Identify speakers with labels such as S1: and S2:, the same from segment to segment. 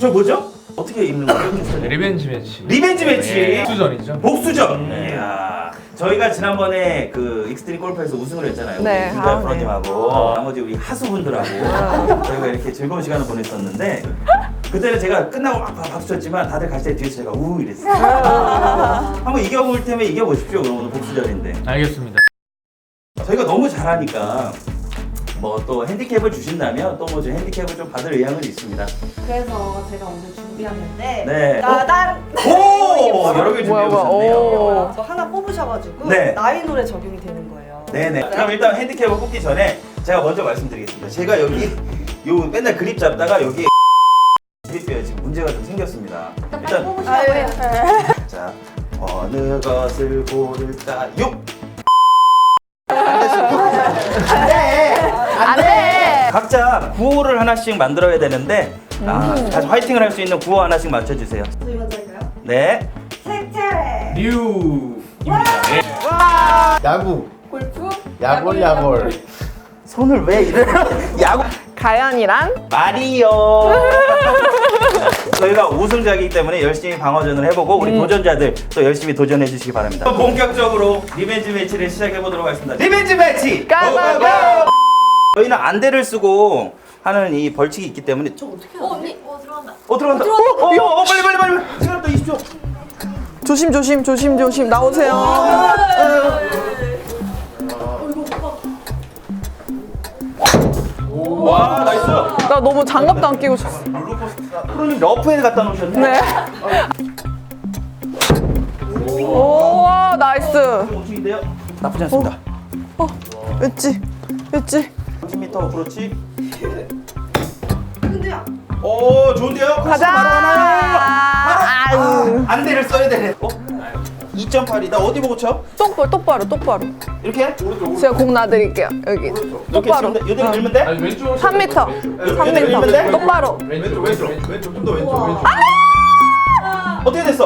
S1: 저 뭐죠? 어떻게 입는 거죠?
S2: 리벤지 매치.
S1: 리벤지 매치.
S2: 복수전이죠.
S1: 복수전. 이야. 저희가 지난번에 그 익스트림 골프에서 우승을 했잖아요.
S3: 네.
S1: 우리 윤달
S3: 아,
S1: 프로님하고 나머지 우리 하수분들하고 저희가 이렇게 즐거운 시간을 보냈었는데 그때는 제가 끝나고 막 박수 쳤지만 다들 갈 때 뒤에서 제가 우 이랬어요. 한번 이겨볼 테면 이겨보십시오. 그럼 오늘 복수전인데.
S2: 알겠습니다.
S1: 저희가 너무 잘하니까 뭐 또 핸디캡을 주신다면 또 뭐 좀 핸디캡을 좀 받을 의향은 있습니다.
S4: 그래서 제가 오늘 준비했는데
S1: 네.
S4: 따단
S1: 오! 여러 개 준비해 오셨네요.
S3: 오.
S4: 저 하나 뽑으셔가지고
S1: 네.
S4: 나이 노래 적용이 되는 거예요.
S1: 네네. 그럼 일단 핸디캡을 뽑기 전에 제가 먼저 말씀드리겠습니다. 제가 여기 요 맨날 그립 잡다가 여기 그립뼈에 지금 문제가 좀 생겼습니다. 일단
S4: 아유,
S1: 자 어느 것을 고를까요?
S3: 안돼.
S1: 각자 구호를 하나씩 만들어야 되는데 다시 화이팅을 할 수 있는 구호 하나씩 맞춰주세요.
S4: 저희 먼저 할까요?
S1: 네.
S4: 색채
S2: 뉴입니다. 예.
S5: 야구.
S4: 골프
S5: 야골.
S1: 손을 왜 이래? 야구
S3: 가연이랑
S1: 마리오. 저희가 우승자이기 때문에 열심히 방어전을 해보고 우리 도전자들 또 열심히 도전해 주시기 바랍니다. 본격적으로 리벤지 매치를 시작해 보도록 하겠습니다. 리벤지 매치!
S3: 고고고!
S1: 저희는 안대를 쓰고 하는 이 벌칙이 있기 때문에
S4: 언니 들어간다.
S1: 들어간다. 빨리. 시간 또 20초.
S3: 조심 나오세요.
S1: 와 나이스.
S3: 나 너무 장갑도 안 끼고 쳤어.
S1: 프로님 러프에 갖다 놓으셨네.
S3: 네. 오 나이스.
S1: 우측인데요. 나쁘지 않습니다.
S3: 엣지.
S1: 30m 어프로치.
S4: 근데요.
S1: 오 좋은데요? 코스
S3: 가자.
S1: 바로 하나요?
S3: 아유.
S1: 안대를 써야 되네. 2.8이 나 어디 보고 쳐?
S3: 똑바로.
S1: 이렇게?
S3: 제가 공 놔드릴게요. 여기.
S1: 이렇게
S3: 똑바로.
S1: 치면 돼? 이대로 밀면 돼?
S2: 아니 왼쪽.
S3: 3m.
S1: 밀면 돼?
S3: 3m. 똑바로.
S2: 왼쪽 좀 더 왼쪽.
S1: 어떻게 됐어?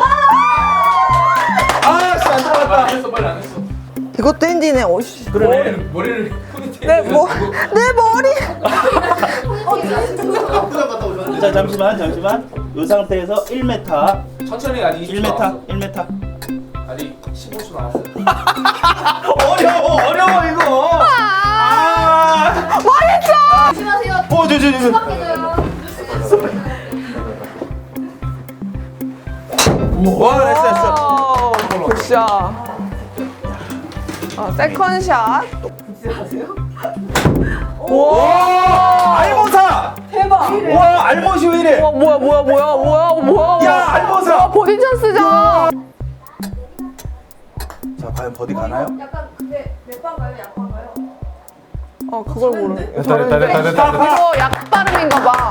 S1: 아씨 안 들어갔다.
S2: 안 했어, 빨리 안 했어.
S3: 이것도 핸디네. 오씨.
S1: 그러네.
S2: 머리를 포니테일.
S3: 내 머리.
S1: 자 잠시만. 이 상태에서 1m.
S2: 천천히 아니
S1: 1m.
S2: 아니 15초 나왔어요.
S1: 어려워 이거.
S3: 망했어.
S4: 조심하세요.
S1: 저.
S4: 수박해줘요.
S1: 와 됐어.
S3: 굿샷. 세컨샷.
S1: 와 알모사.
S4: 대박.
S1: 와 알못이 왜 이래?
S3: 와 뭐야.
S1: 야 알모사.
S3: 와 버디 찬스잖아.
S1: 자 과연 버디 가나요?
S4: 약간 근데 몇 방가요? 약방가요?
S3: 그걸 모르네.
S2: 됐다.
S3: 이거 약 발음인가 봐.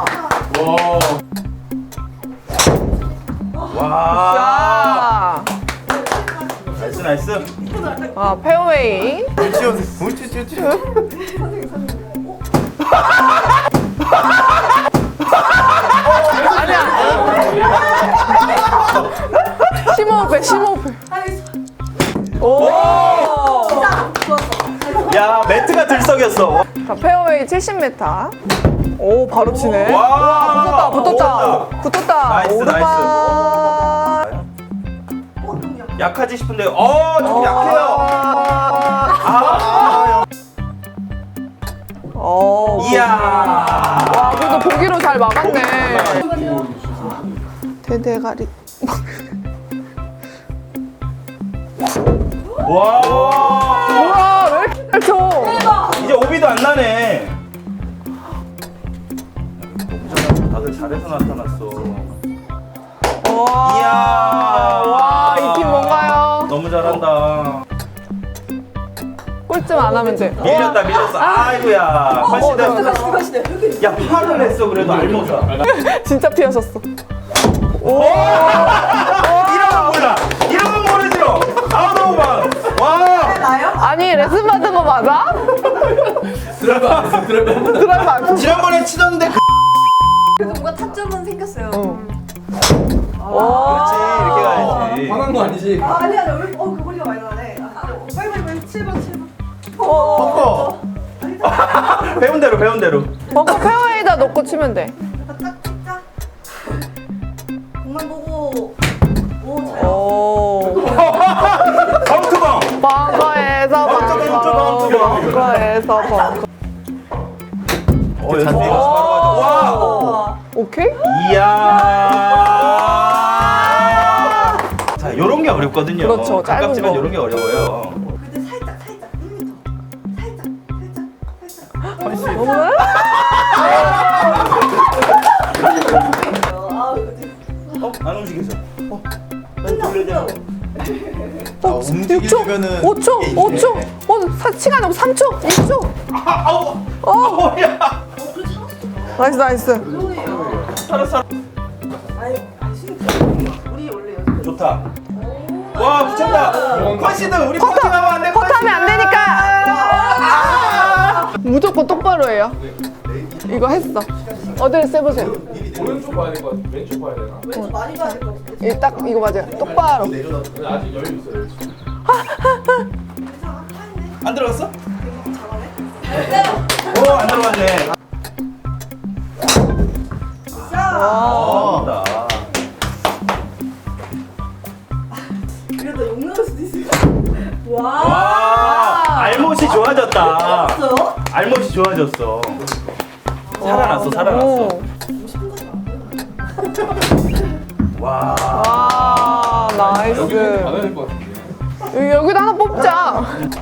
S1: 와.
S3: 자.
S1: 나이스.
S3: 페어웨이. 아니야. 심호흡해. 오.
S1: 야 매트가 들썩였어.
S3: 자, 페어웨이 70m. 오, 바로 치네.
S1: 와,
S3: 붙었다.
S1: 나이스,
S3: 오르막.
S1: 약하지 싶은데, 좀 약해요. 이야.
S3: 와, 그래도 보기로 잘 막았네. 대대가리.
S1: 와.
S3: 우와, 왜 이렇게 잘 쳐?
S1: 이제 오비도 안 나네. 다들 잘해서 나타났어. 이야.
S3: 와, 이 팀 뭔가요?
S1: 너무 잘한다.
S3: 꼴찌 안 하면 돼.
S1: 밀렸어. 아이고야. 컨시드. 야, 팔을 했어, 그래도 알모사.
S3: 진짜 피하셨어.
S1: 이런 건 모르지. 아웃 오브 바운드. 와.
S3: 아니, 레슨 받은 거 맞아?
S2: 드라이브 안 했어.
S3: 드라이브 안 쳤어.
S1: 지난번에 치던데
S4: 그래도 뭔가 타점은 생겼어요.
S1: 그렇지. 이렇게 가야지.
S2: 화난 거 아니지?
S4: 아니야, 그 머리가 많이 나네. 빨리 7번.
S1: 배운 대로.
S3: 벙커 페어웨이다 놓고 치면 돼.
S4: 딱 찍자.
S3: 잘해서 벙커.
S1: 연습이 바로 가죠. 와!
S3: 오케이?
S1: 이야! 자, 요런 게 어렵거든요.
S3: 그렇죠, 짧은
S1: 가깝지만
S3: 거.
S1: 요런 게 어려워요.
S4: 근데 살짝 1m. 살짝.
S3: 너무
S1: 안 움직여서. 난 돌려야 되는
S5: 움직이려면은
S3: 5초,
S5: 이게
S3: 5초.
S5: 있네.
S3: 시간 없 3초, 2초.
S1: 야!
S3: 나이스, 나이스.
S1: 살았어.
S4: 아니 우리 원래 연습.
S1: 좋다. 와, 붙였다. 컨시드 우리 퍼팅하면 안 돼.
S3: 퍼트하면 안 되니까. 무조건 똑바로 해요. 이거 했어. 어디를 세보세요.
S2: 오른쪽 봐야 될 것 같아. 왼쪽 봐야 되나?
S4: 왼쪽 많이 가야 될 것 같아.
S3: 딱 이거 맞아요. 똑바로.
S2: 근데 아직 여유 있어요.
S4: 괜찮아. 하네.
S1: 안 들어갔어?
S4: 잘하네.
S1: 오, 안 들어갔네.
S3: 와.
S1: 다
S4: 이러다 욕 나올 수도 있을 것 와.
S1: 와, 알못이 좋아졌다.
S4: 봤어요?
S1: 알못이 좋아졌어. 살아났어, 살아났어.
S3: 오.
S1: 와.
S3: 와,
S2: 여기
S3: 나이스.
S2: 받아야 될 것 같은데.
S3: 여기도 하나 뽑자.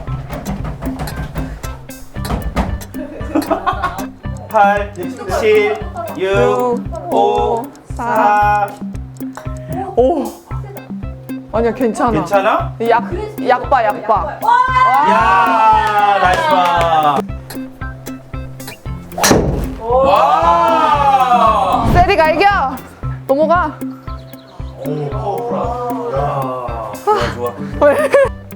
S1: 8, 7, 6, 5, 4.
S3: 오. 아니야, 괜찮아.
S1: 괜찮아?
S3: 약봐.
S1: 야, 나이스 파. 와.
S3: 세리가 이겨. 넘어가.
S5: 오, 파워풀하다.
S1: 야, 좋아.
S3: 왜?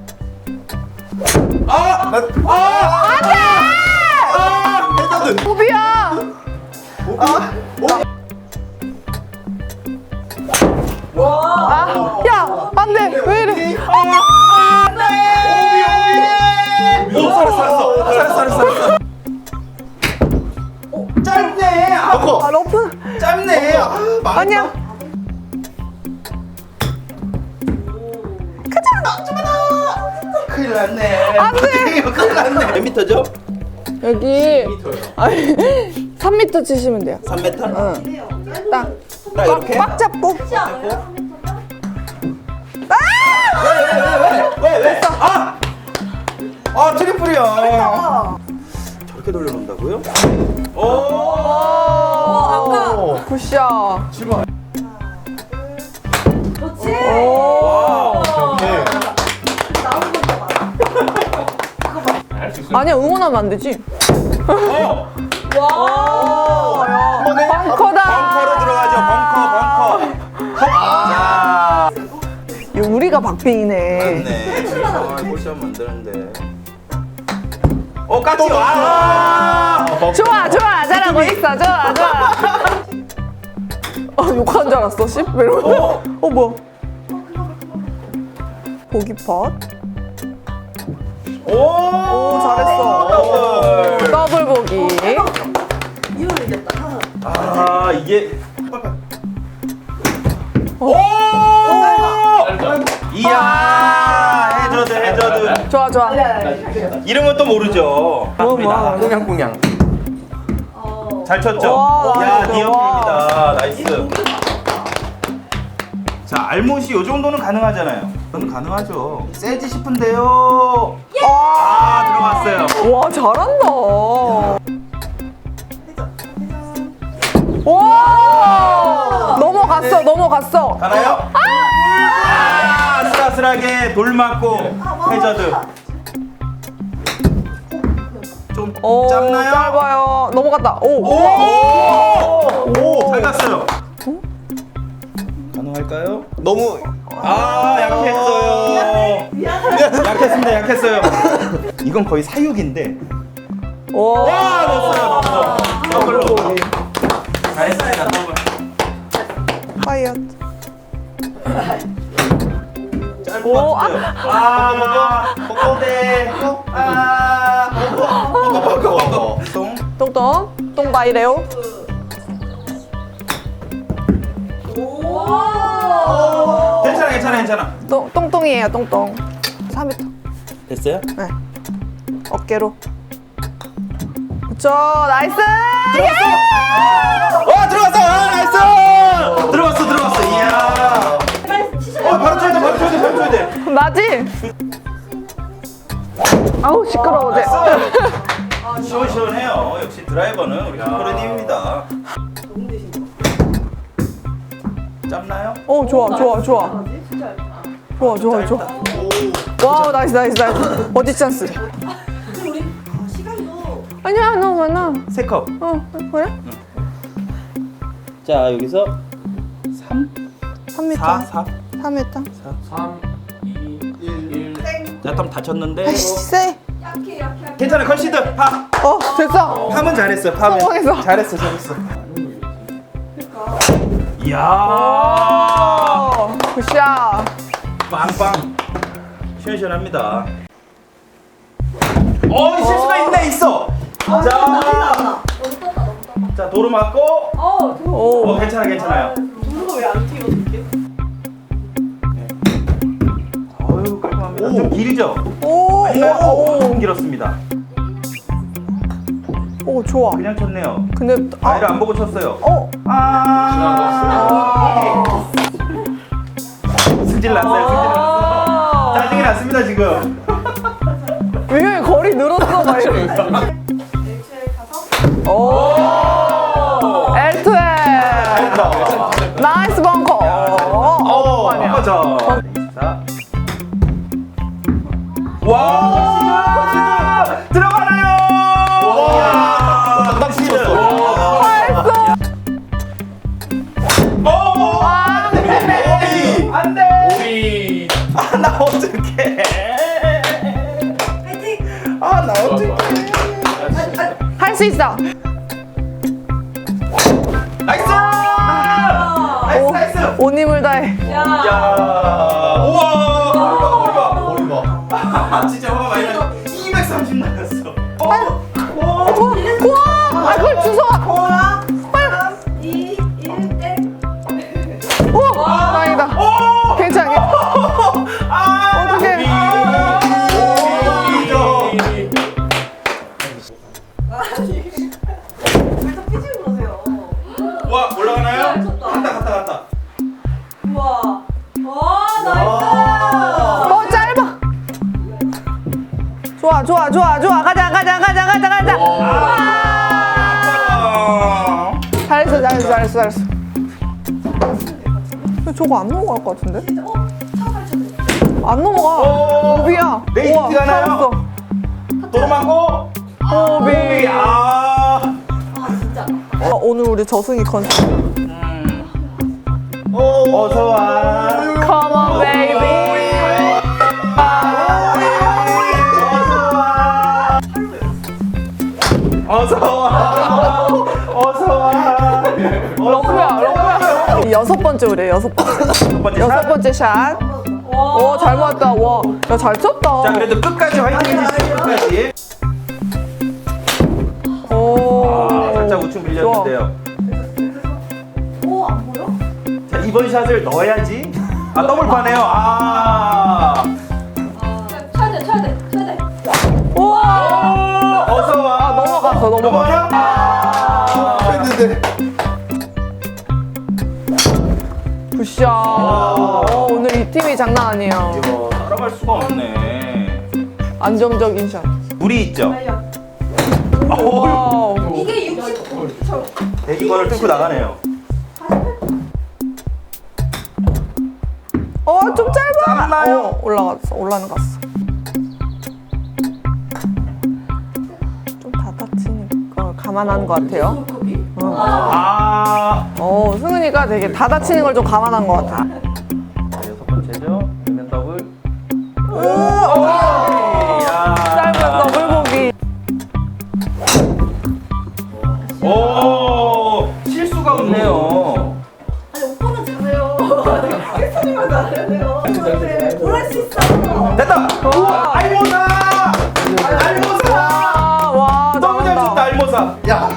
S3: 호비야. 야, 안 돼. 왜 이래?
S1: 오, 살았어. 짧네.
S3: 아, 러프.
S1: 짧네.
S3: 아니야.
S1: 큰일 났네.
S3: 안 돼.
S1: 이거 큰일 났네. 몇 미터죠?
S3: 여기.
S2: 2m요.
S3: 아니, 3m 치시면 돼요.
S1: 3m?
S3: 응. 딱.
S1: 나 이렇게?
S3: 꽉 잡고.
S1: 왜? 아, 트리플이야. 저렇게 돌려놓는다고요? 오.
S3: 아까. 굿샷.
S2: 지금
S4: 그렇지.
S3: 오.
S5: 오케이.
S4: 나오는 거 봐.
S2: 할수 있어요.
S3: 아니야, 응원하면 안 되지.
S1: 어.
S3: 와. 벙커다.
S1: 벙커로 들어가죠. 벙커. 자.
S3: 이거 우리가 박빙이네.
S1: 맞네. 아, 골샷 만드는데. 까지. 와.
S3: 좋아, 잘하고 있어. 좋아. 욕한 줄 알았어, 씨. 왜 이러고. 뭐야. 보기 팟.
S1: 오,
S3: 잘했어.
S1: 더블.
S3: 더블 보기.
S4: 이거는 이겼다.
S1: 아, 이게. 오! 이야, 해저드.
S3: 좋아.
S1: 이름은 또 모르죠.
S3: 뭐.
S5: 꽁냥꽁냥.
S1: 잘 쳤죠?
S3: 와,
S1: 야,
S3: 나이스.
S1: 니어입니다. 나이스. 자, 알못이 요 정도는 가능하잖아요. 저는 가능하죠. 세지 싶은데요. 들어갔어요.
S3: 와, 잘한다. 와! 넘어갔어.
S1: 가나요? 아슬아슬하게 돌 맞고 해저드. 좀
S3: 오,
S1: 짧나요?
S3: 짧아요. 넘어갔다.
S1: 잘 갔어요. 가능할까요?
S5: 너무
S1: 약했어요. 약했어요. 이건 거의 사육인데.
S3: 오.
S1: 와, 넣었어요. 더블로. 잘했습니다. 더블.
S3: 파이어.
S1: 짧은
S3: 오,
S1: 것 같은데요. 똥.
S3: 똥바이래요.
S1: 괜찮아.
S3: 똥똥이에요, 똥똥. 4m.
S1: 됐어요?
S3: 네. 어깨로. 저 나이스.
S1: 들어갔어! 나이스! 들어갔어. 이야. 바로 쳐야 돼. 바로 쳐야 돼.
S3: 나지? 아우 시끄러워. 쟤.
S1: 시원시원해요. 역시 드라이버는 우리 김프로님입니다. 짧나요?
S3: 오 좋아. 와우 나이스. 어디 찬스?
S4: 그럼 우리 시간도
S3: 아니야 너 많아.
S1: 3컵.
S3: 그래?
S1: 자, 여기서
S3: 3m.
S1: 4.
S3: 3m.
S2: 3, 2, 1.
S1: 자, 좀 다쳤는데.
S3: 아이씨 세.
S4: 약해.
S1: 괜찮아, 컨시드. 파.
S3: 됐어.
S1: 파면 잘했어. 파면.
S3: 성공했어.
S1: 잘했어. 이야.
S3: 굿샷.
S1: 빵빵. 시원시원합니다. 실수가 있어. 자, 도로 맞고.
S3: 오.
S1: 괜찮아요.
S4: 도로가 왜안 튀어 이렇게?
S1: 어유, 깔끔합니다. 좀 길죠?
S3: 오.
S1: 좀 길었습니다.
S3: 오 좋아.
S1: 그냥 쳤네요.
S3: 근데
S1: 아이를 안 보고 쳤어요. 승질 났어. 짜증이 났습니다, 지금.
S3: 왜냐면 거리 늘었어 막 이러고.
S4: 일주일 가서
S3: 오. L2L. 나이스 벙커. 아니야.
S1: 맞아. 24. 와! 들어가나요? 와! 딱 치셨어. 안 돼!
S2: 오비.
S1: 나 어떡해.
S4: 파이팅!
S1: 나 어떡해.
S3: 할 수 있어.
S1: 나이스! 나이스!
S3: 온 힘을 다해.
S1: 야! 우와!
S5: 머리 봐.
S1: 진짜 화가 많이 나. 230 나갔어.
S3: 우와. 그걸 주워.
S4: 3, 2, 1, 땡!
S3: 우와. 다행이다. 괜찮아. 어떡해.
S4: 살짝 삐지고 그러세요.
S1: 와, 올라가나요?
S4: 쳤다.
S1: 갔다.
S4: 우와. 와, 나이스!
S3: 짧아. 좋아. 가자. 잘했어. 근데 저거 안 넘어갈 것 같은데?
S4: 차발 쳤네.
S3: 안 넘어가. 오비야.
S1: 레이스가 나요?
S3: 살았어.
S1: 도로 맞고.
S3: 오비.
S1: 아.
S4: 진짜.
S3: 오늘 우리 저승이 컨셉.
S1: 어서 와.
S3: Come on, baby.
S1: 어서 와.
S3: 러브야. 여섯 번째 우리 여섯 번째 샷. 오, 잘 맞다. 와, 야, 잘 쳤다.
S1: 자, 그래도 끝까지 화이팅 해주시죠. 끝까지.
S3: 오.
S1: 살짝 우측 밀렸는데요.
S4: 오, 안 보여?
S1: 자, 이번 샷을 넣어야지. 더블파네요.
S4: 쳐야 돼.
S3: 우와.
S1: 어서 와.
S3: 넘어갔어.
S1: 넘어가요?
S5: 했는데.
S3: 굿샷. 오늘 이 팀이 장난 아니에요.
S1: 이거 따라갈 수가 없네.
S3: 안정적인 샷.
S1: 물이 있죠.
S4: 달려.
S3: 와우.
S4: 이게 60.
S1: 대기권을 뚫고 나가네요.
S3: 좀 짧아.
S1: 짧나요?
S3: 올라는 갔어. 좀 다 다치니까 감안한 것 같아요. 승은이가 되게 다 다치는 걸 좀 감안한 것 같아.
S1: 여섯 번째죠. 면 더블.
S3: 짧은 더블 보기.
S1: 실수가 없네요.
S4: 아니, 오빠는 잘해요. 혜선이만 잘해요. 뭘할 수 있어.
S1: 됐다. 알모사.
S3: 와,
S1: 너무 잘 쳤다, 알모사. 야.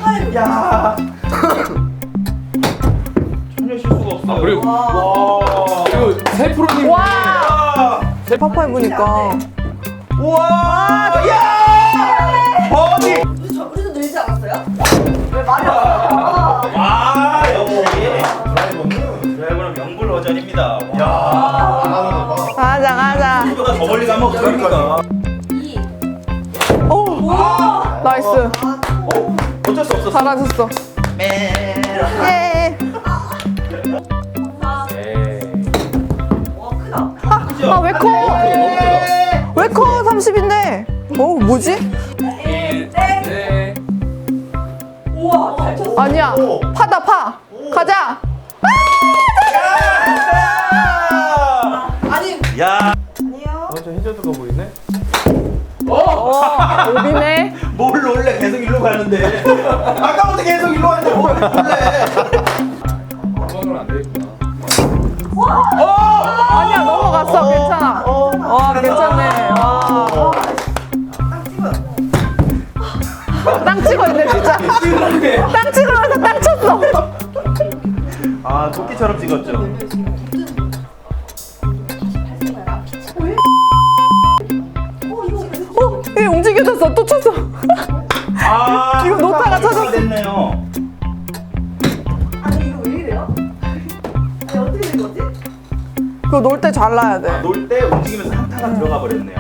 S1: 전혀 실수가 없어요.
S2: 그리고
S1: 와.
S2: 세 프로님.
S3: 와. 파파 해보니까.
S1: 우와. 야. 버디.
S4: 우리도 늘지 않았어? 거예요? 왜 말이 없어요?
S1: 와 역시
S5: 드라이버는
S1: 명불 허전입니다.
S5: 야 나가는 거 봐.
S3: 가자 가자.
S1: 이보다 더 멀리 가면 어떡합니까?
S4: 2.
S3: 오 나이스.
S1: 어쩔 수 없었어.
S3: 잘하셨어. 예.
S4: 4. 와 크다.
S3: 아 왜 커? 왜 커? 30인데. 어 뭐지?
S4: 1. 땡.
S2: 네.
S4: 우와 잘 쳤어.
S3: 아니야. 파다 파. 가자.
S4: 아니
S1: 야,
S4: 아니요.
S5: 완전 해저드가 보이네.
S3: 오비네.
S1: 뭘 놀래? 계속 일로 가는데. 아까부터 계속 일로 가는데 뭘 놀래?
S2: 도망가면 안 되겠구나.
S3: 아니야 넘어갔어. 괜찮아. 와 괜찮네. 와. 땅 찍어 있네 진짜. 땅 찍으면서 땅 쳤어.
S1: 아, 토끼처럼 찍었죠.
S3: 얘 움직여졌어. 또 쳤어.
S1: 아,
S3: 이거 노타가 찾았어.
S1: 됐네요.
S4: 아니 이거 왜 이래요? 아니 어떻게 된 거지?
S3: 그거 놀 때 잘 놔야 돼.
S1: 놀 때 움직이면서 한타가 들어가 버렸네요.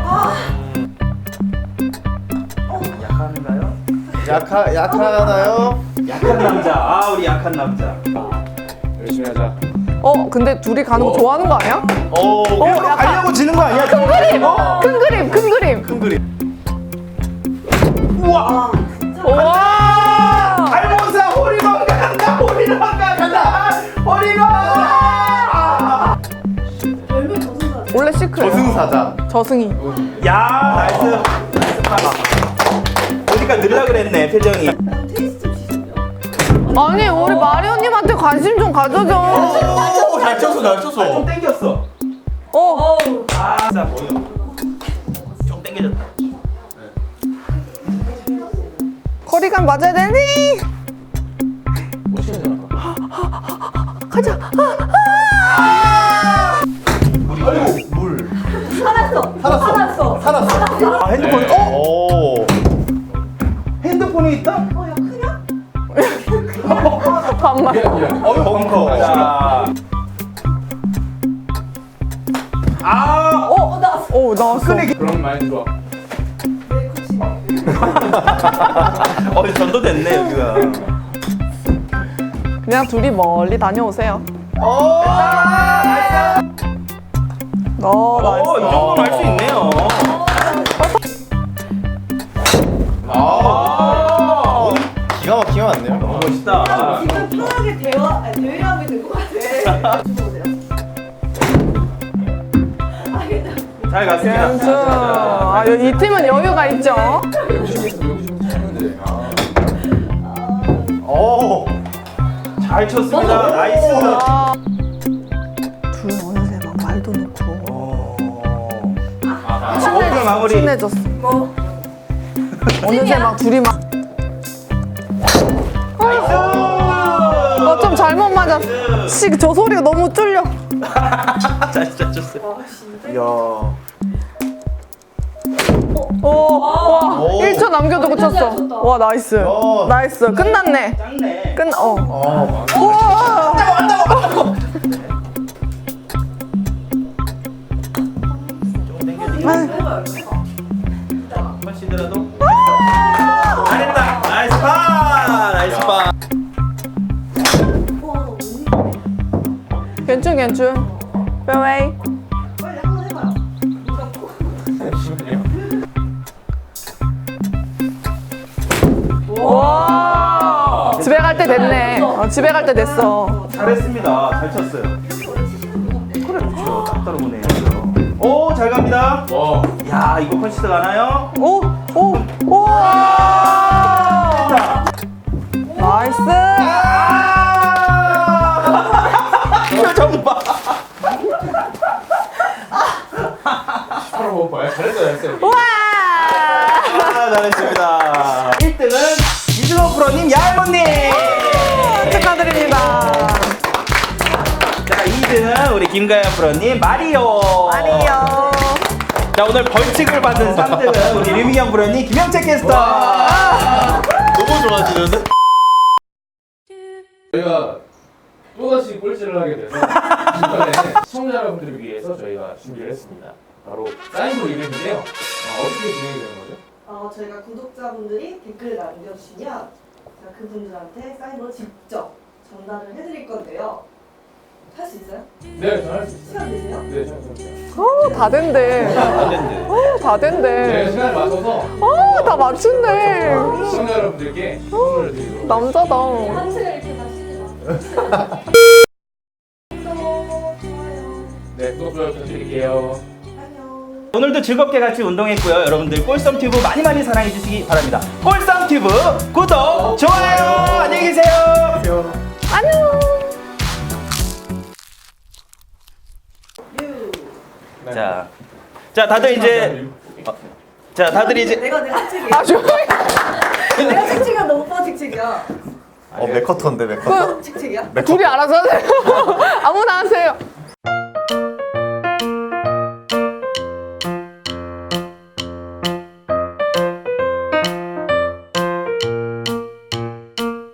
S1: 약한가요?
S5: 약하나요?
S1: 약한 남자. 아, 우리 약한 남자.
S2: 열심히 하자.
S3: 근데 둘이 가는 거 좋아하는 거 아니야?
S1: 그냥
S3: 약간-
S1: 가려고 지는 거 아니야?
S3: 큰 그림. 큰 그림. 큰 그림.
S1: 큰 그림. 우와!
S3: 와.
S1: 알모사 호리건 간다. 호리건 간다. 호리건!
S4: 열매 저승사.
S3: 원래 시크릿.
S5: 저승사자.
S3: 저승이.
S1: 야, 나이스. 나이스 파. 보니까 늘라 그랬네, 표정이.
S4: 난 테이스 좀 주시죠.
S3: 아니 우리 마리오님한테 관심 좀 가져줘.
S5: 잘 쳤어 잘
S1: 좀
S5: 쳤어.
S1: 땡겼어.
S3: 어.
S1: 아, 진짜 보여. 좀 땡겨졌다.
S3: 거리감 맞아야 되니? 가자.
S5: 아이고 물.
S4: 살았어. 살았어.
S5: 살았어.
S1: 아, 핸드폰.
S5: 오.
S1: 핸드폰이 있다?
S4: 야 크냐?
S3: 반말.
S2: 미안.
S1: 벙커. 자. 아,
S4: 나왔어.
S3: 오 나왔어.
S2: 그런 마인드 좋아.
S4: 내 굳이.
S1: 전도됐네, 여기가.
S3: 그냥 둘이 멀리 다녀오세요.
S1: 오,
S3: 나이스.
S1: 이 정도는 할 수 있네요.
S5: 오늘 기가 막히게 왔네요.
S1: 너무 멋있다.
S4: 지금 편하게 대화하게 된 것 같아. 주무세요.
S1: 잘 갔습니다.
S3: 괜찮. 아, 이 팀은 여유가 있죠.
S2: 열심히 했어. 열심히 하는데.
S5: 오.
S1: 잘 쳤습니다. 나이스.
S3: 아. 둘 어느새 막 말도 놓고
S1: 오늘 마무리.
S3: 친해졌어.
S4: 뭐
S3: 어느새 막 둘이 막.
S1: 나이스.
S3: 좀 잘못 맞았어. 저 소리가 너무 뚫려.
S1: 잘 쳤어요.
S5: 이야.
S3: 와,
S5: 오.
S3: 1초 남겨두고 쳤어. 와, 나이스.
S5: 야.
S3: 나이스. 끝났네.
S1: 짱네.
S5: 어.
S3: 우와.
S1: 조금 땡겨주고.
S4: 해봐요.
S1: 한번 쉬더라도. 잘했다. 나이스 파. 나이스 파.
S3: 괜춘, 괜춘. 페어웨이.
S4: 빨리 한번 해봐요.
S3: 와. 집에 갈 때 됐네. 집에 갈 때 됐어.
S1: 잘했습니다. 잘 쳤어요. 그래, 그렇죠. 딱 떨어보네요. 오, 잘 갑니다.
S2: 와.
S1: 야, 이거 컨시드 가나요?
S3: 오, 오, 오.
S1: 됐다.
S3: 나이스.
S1: 표정 봐.
S2: 바로 못 봐요. 잘했어, 잘했어.
S3: 와.
S1: 잘했습니다. 1등은 이준호 프로님, 야할머님.
S3: 축하드립니다.
S1: 자, 2등은 우리 김가연 프로님, 마리오.
S3: 아니요.
S1: 자, 오늘 벌칙을 받은 3등은 우리 류미영 프로님, 김영채 캐스터.
S5: 너무 좋아지는데?
S2: 저희가 또다시 꼴찌를 하게 돼서 이번에 시청자 여러분들을 위해서 저희가 준비를 했습니다. 바로 사인볼 이벤트인데요. 어떻게 진행이 되는 거죠?
S4: 저희가 구독자분들이 댓글을 남겨주시면 제가 그분들한테 사인볼을 직접 전달을 해드릴 건데요. 할 수 있어요?
S2: 네, 저는 할 수 있어요.
S4: 시간 되세요?
S2: 네, 저는
S3: 다 된대. 다
S2: 제가
S3: 된대.
S2: 시간을 맞춰서
S3: 다 맞춘대.
S2: 시청자 여러분들께 선물을 드리도록
S3: 남자다.
S4: 한시간 이렇게 마시지 마. 구독, 좋아요,
S2: 네, 구독, 좋아요 부탁드릴게요.
S4: 안녕.
S1: 오늘도 즐겁게 같이 운동했고요. 여러분들 꼴썸튜브 많이 많이 사랑해 주시기 바랍니다. 꼴썸튜브 구독, 좋아요. 안녕히 계세요.
S3: 안녕. 자, 다들 이제 다들 이제
S4: 내가 책책이야.
S3: 아 조용히.
S4: 내가 책책이야. 너 오빠 책책이야.
S5: 맥커터인데 맥커터?
S4: 책책이야?
S3: 둘이 알아서 하세요. 아무나 하세요.